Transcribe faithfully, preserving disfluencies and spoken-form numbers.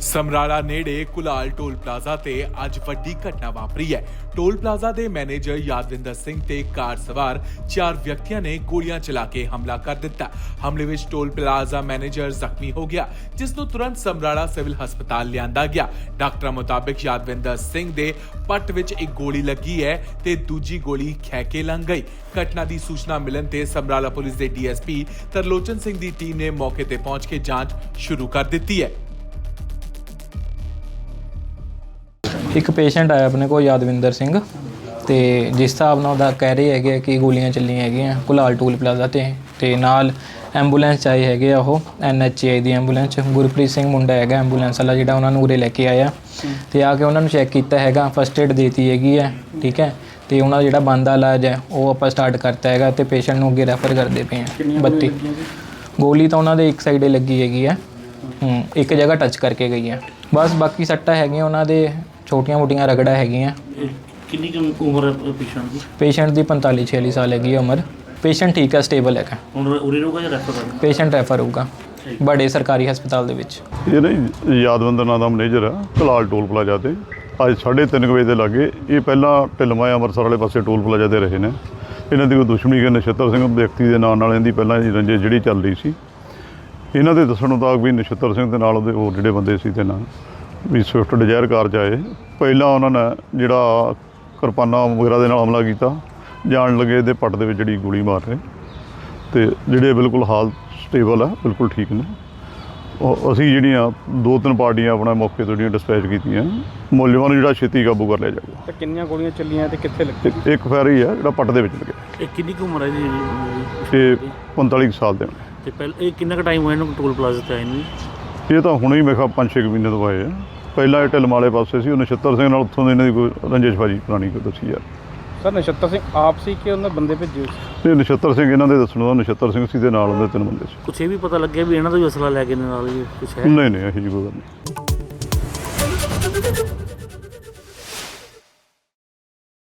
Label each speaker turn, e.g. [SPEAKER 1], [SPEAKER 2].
[SPEAKER 1] ਸਮਰਾਲਾ ਨੇੜੇ ਕੁਲਾਲ toll plaza ਤੇ ਅੱਜ ਵੱਡੀ ਘਟਨਾ ਵਾਪਰੀ ਹੈ। ਟੋਲ ਪਲਾਜ਼ਾ ਦੇ ਮੈਨੇਜਰ ਯਾਦਵਿੰਦਰ ਸਿੰਘ ਤੇ ਕਾਰ ਸਵਾਰ ਚਾਰ ਵਿਅਕਤੀਆਂ ਨੇ ਗੋਲੀਆਂ ਚਲਾ ਕੇ ਹਮਲਾ ਕਰ ਦਿੱਤਾ। ਹਮਲੇ ਵਿੱਚ ਟੋਲ ਪਲਾਜ਼ਾ ਮੈਨੇਜਰ ਜ਼ਖਮੀ ਹੋ ਗਿਆ, ਜਿਸ ਨੂੰ ਤੁਰੰਤ ਸਮਰਾਲਾ ਸਿਵਲ ਹਸਪਤਾਲ ਲਿਆਂਦਾ ਗਿਆ। ਡਾਕਟਰਾਂ ਮੁਤਾਬਕ ਯਾਦਵਿੰਦਰ ਸਿੰਘ ਦੇ ਪੱਟ ਵਿੱਚ ਇੱਕ ਗੋਲੀ ਲੱਗੀ ਹੈ ਤੇ ਦੂਜੀ ਗੋਲੀ ਖਹਿ ਕੇ ਲੰਘ ਗਈ। ਘਟਨਾ ਦੀ ਸੂਚਨਾ ਮਿਲਣ ਤੇ ਸਮਰਾਲਾ ਪੁਲਿਸ ਦੇ D S P Tarlochan Singh ਦੀ ਟੀਮ ਨੇ ਮੌਕੇ ਤੇ ਪਹੁੰਚ ਕੇ ਜਾਂਚ ਸ਼ੁਰੂ ਕਰ ਦਿੱਤੀ ਹੈ।
[SPEAKER 2] ਇੱਕ ਪੇਸ਼ੈਂਟ ਆਇਆ ਆਪਣੇ ਕੋਲ ਯਾਦਵਿੰਦਰ ਸਿੰਘ ਤੇ ਜਿਸ ਹਿਸਾਬ ਨਾਲ ਉਹਦਾ ਕਹਿ ਰਹੇ ਹੈਗੇ ਕਿ ਗੋਲੀਆਂ ਚੱਲੀਆਂ ਹੈਗੀਆਂ ਕੁਲਾਲ ਟੋਲ ਪਲਾਜ਼ਾ ਤੇ ਤੇ ਨਾਲ ਐਂਬੂਲੈਂਸ ਆਈ ਹੈਗੇ ਆ ਉਹ ਐਨ ਐਚ ਆਈ ਦੀ ਐਂਬੂਲੈਂਸ। ਗੁਰਪ੍ਰੀਤ ਸਿੰਘ ਮੁੰਡਾ ਹੈਗਾ ਐਂਬੂਲੈਂਸ ਵਾਲਾ ਜਿਹੜਾ ਉਹਨਾਂ ਨੂੰ ਉਰੇ ਲੈ ਕੇ ਆਇਆ ਤੇ ਆ ਕੇ ਉਹਨਾਂ ਨੂੰ ਚੈੱਕ ਕੀਤਾ ਹੈਗਾ, ਫਸਟ ਏਡ ਦੇਤੀ ਹੈਗੀ ਹੈ, ਠੀਕ ਹੈ। ਤੇ ਉਹਨਾਂ ਦਾ ਜਿਹੜਾ ਬਣਦਾ ਇਲਾਜ ਹੈ ਉਹ ਆਪਾਂ ਸਟਾਰਟ ਕਰਤਾ ਹੈਗਾ ਤੇ ਪੇਸ਼ੈਂਟ ਨੂੰ ਅੱਗੇ ਰੈਫਰ ਕਰਦੇ ਪਏ ਹਾਂ। ਬੱਤੀ ਗੋਲੀ ਤਾਂ ਉਹਨਾਂ ਦੇ ਇੱਕ ਸਾਈਡੇ ਲੱਗੀ ਹੈਗੀ ਹੈ, ਹੂੰ ਇੱਕ ਜਗ੍ਹਾ ਟੱਚ ਕਰਕੇ ਗਈ ਹੈ ਬਸ। ਬਾਕੀ ਸੱਟਾਂ ਹੈਗੀਆਂ ਉਹਨਾਂ ਦੇ ਛੋਟੀਆਂ ਮੋਟੀਆਂ ਰਗੜਾ ਹੈਗੀਆਂ।
[SPEAKER 3] ਕਿੰਨੀ ਕੁ ਉਮਰ ਹੈ ਪੇਸ਼ੈਂਟ ਦੀ?
[SPEAKER 2] ਪੇਸ਼ੈਂਟ ਦੀ ਪੰਤਾਲੀ ਛਿਆਲੀ ਸਾਲ ਹੈਗੀ ਹੈ ਉਮਰ। ਪੇਸ਼ੈਂਟ ਠੀਕ ਹੈ, ਸਟੇਬਲ ਹੈਗਾ। ਹੁਣ
[SPEAKER 3] ਉਰੇ ਰਹੂਗਾ ਜਾਂ ਰੈਫਰ ਕਰਨਾ? ਪੇਸ਼ੈਂਟ
[SPEAKER 2] ਰੈਫਰ ਹੋਊਗਾ ਬੜੇ ਸਰਕਾਰੀ ਹਸਪਤਾਲ ਦੇ ਵਿੱਚ।
[SPEAKER 4] ਇਹ ਨਾ ਯਾਦਵਿੰਦਰ ਨਾਂ ਦਾ ਮੈਨੇਜਰ ਆ ਕੁਲਾਲ ਟੋਲ ਪਲਾਜ਼ਾ ਤੇ ਅੱਜ ਸਾਢੇ ਤਿੰਨ ਵਜੇ ਦੇ ਲਾਗੇ। ਇਹ ਪਹਿਲਾਂ ਢਿਲਮਾ ਅੰਮ੍ਰਿਤਸਰ ਵਾਲੇ ਪਾਸੇ ਟੋਲ ਪਲਾਜ਼ਾ ਤੇ ਰਹੇ ਨੇ। ਇਹਨਾਂ ਦੀ ਕੋਈ ਦੁਸ਼ਮਣੀ ਕਿ ਨਛੱਤਰ ਸਿੰਘ ਵਿਅਕਤੀ ਦੇ ਨਾਂ ਨਾਲ ਇਹਦੀ ਪਹਿਲਾਂ ਦੀ ਰੰਜਿਸ਼ ਜਿਹੜੀ ਚੱਲ ਰਹੀ ਸੀ। ਇਹਨਾਂ ਦੇ ਦੱਸਣ ਮੁਤਾਬਕ ਵੀ ਨਛੱਤਰ ਸਿੰਘ ਦੇ ਨਾਲ ਉਹਦੇ ਹੋਰ ਜਿਹੜੇ ਬੰਦੇ ਸੀ ਤੇ ਨਾਲ ਵੀ ਸਵਿਫਟ ਡਿਜ਼ਾਇਰ ਕਾਰ 'ਚ ਆਏ। ਪਹਿਲਾਂ ਉਹਨਾਂ ਨੇ ਜਿਹੜਾ ਕਿਰਪਾਨਾਂ ਵਗੈਰਾ ਦੇ ਨਾਲ ਹਮਲਾ ਕੀਤਾ, ਜਾਣ ਲੱਗੇ ਇਹਦੇ ਪੱਟ ਦੇ ਵਿੱਚ ਜਿਹੜੀ ਗੋਲੀ ਮਾਰ ਰਹੇ ਤੇ ਜਿਹੜੇ ਬਿਲਕੁਲ ਹਾਲ ਸਟੇਬਲ ਆ, ਬਿਲਕੁਲ ਠੀਕ ਨੇ। ਉਹ ਅਸੀਂ ਜਿਹੜੀਆਂ ਦੋ ਤਿੰਨ ਪਾਰਟੀਆਂ ਆਪਣਾ ਮੌਕੇ ਤੋਂ ਜਿਹੜੀਆਂ ਡਿਸਪੈਚ ਕੀਤੀਆਂ, ਮੁਲਜ਼ਮਾਂ ਨੂੰ ਜਿਹੜਾ ਛੇਤੀ ਕਾਬੂ ਕਰ ਲਿਆ ਜਾਊਗਾ।
[SPEAKER 5] ਤੇ ਕਿੰਨੀਆਂ ਗੋਲੀਆਂ ਚੱਲੀਆਂ ਤੇ ਕਿੱਥੇ ਲੱਗੀ?
[SPEAKER 4] ਇੱਕ ਫੈਰ ਹੀ ਆ ਜਿਹੜਾ ਪੱਟ ਦੇ ਵਿੱਚ ਲੱਗਿਆ।
[SPEAKER 3] ਇਹ ਕਿੰਨੀ ਕੁ ਉਮਰ ਹੈ ਜੀ?
[SPEAKER 4] ਇਹ ਪੰਤਾਲੀ ਕੁ ਸਾਲ ਦੇ ਨੇ।
[SPEAKER 3] ਤੇ ਪਹਿਲਾਂ ਇਹ ਕਿੰਨਾ ਕੁ ਟਾਈਮ ਹੋਇਆ ਇਹਨੂੰ ਟੋਲ ਪਲਾਜ਼ਾ ਤੇ ਆਏ ਨੂੰ?
[SPEAKER 4] ਇਹ ਤਾਂ ਹੁਣੇ ਹੀ ਮੇਰੇ ਖਿਆਲ ਪੰਜ ਛੇ ਕੁ ਮਹੀਨੇ ਤੋਂ ਆਏ ਆ। ਪਹਿਲਾਂ ਇਹ ਢਿਲਮ ਵਾਲੇ ਪਾਸੇ ਸੀ, ਉਹ ਨਛੱਤਰ ਸਿੰਘ ਨਾਲ ਉੱਥੋਂ ਦੇ ਇਹਨਾਂ ਦੀ ਕੋਈ ਰੰਜਿਸ਼ਬਾਜੀ ਪੁਰਾਣੀ ਕੋਈ ਦੱਸੀ ਯਾਰ।
[SPEAKER 5] ਸਰ ਨਛੱਤਰ ਸਿੰਘ ਆਪ ਸੀ ਕਿ ਉਹਨਾਂ ਬੰਦੇ ਭੇਜੇ ਸੀ?
[SPEAKER 4] ਇਹ ਨਛੱਤਰ ਸਿੰਘ ਇਹਨਾਂ ਦੇ ਦੱਸਣ ਦਾ ਨਛੱਤਰ ਸਿੰਘ ਸੀ ਦੇ ਨਾਲ ਉਹਦੇ ਤਿੰਨ ਬੰਦੇ ਸੀ।
[SPEAKER 3] ਕੁਛ ਇਹ ਵੀ ਪਤਾ ਲੱਗਿਆ ਵੀ ਇਹਨਾਂ ਦਾ ਵੀ ਅਸਲਾ ਲੈ ਕੇ ਨਾਲ ਕੁਛ ਹੈ?
[SPEAKER 4] ਨਹੀਂ ਨਹੀਂ ਇਹੋ ਜਿਹੀ ਕੋਈ ਗੱਲ ਨਹੀਂ।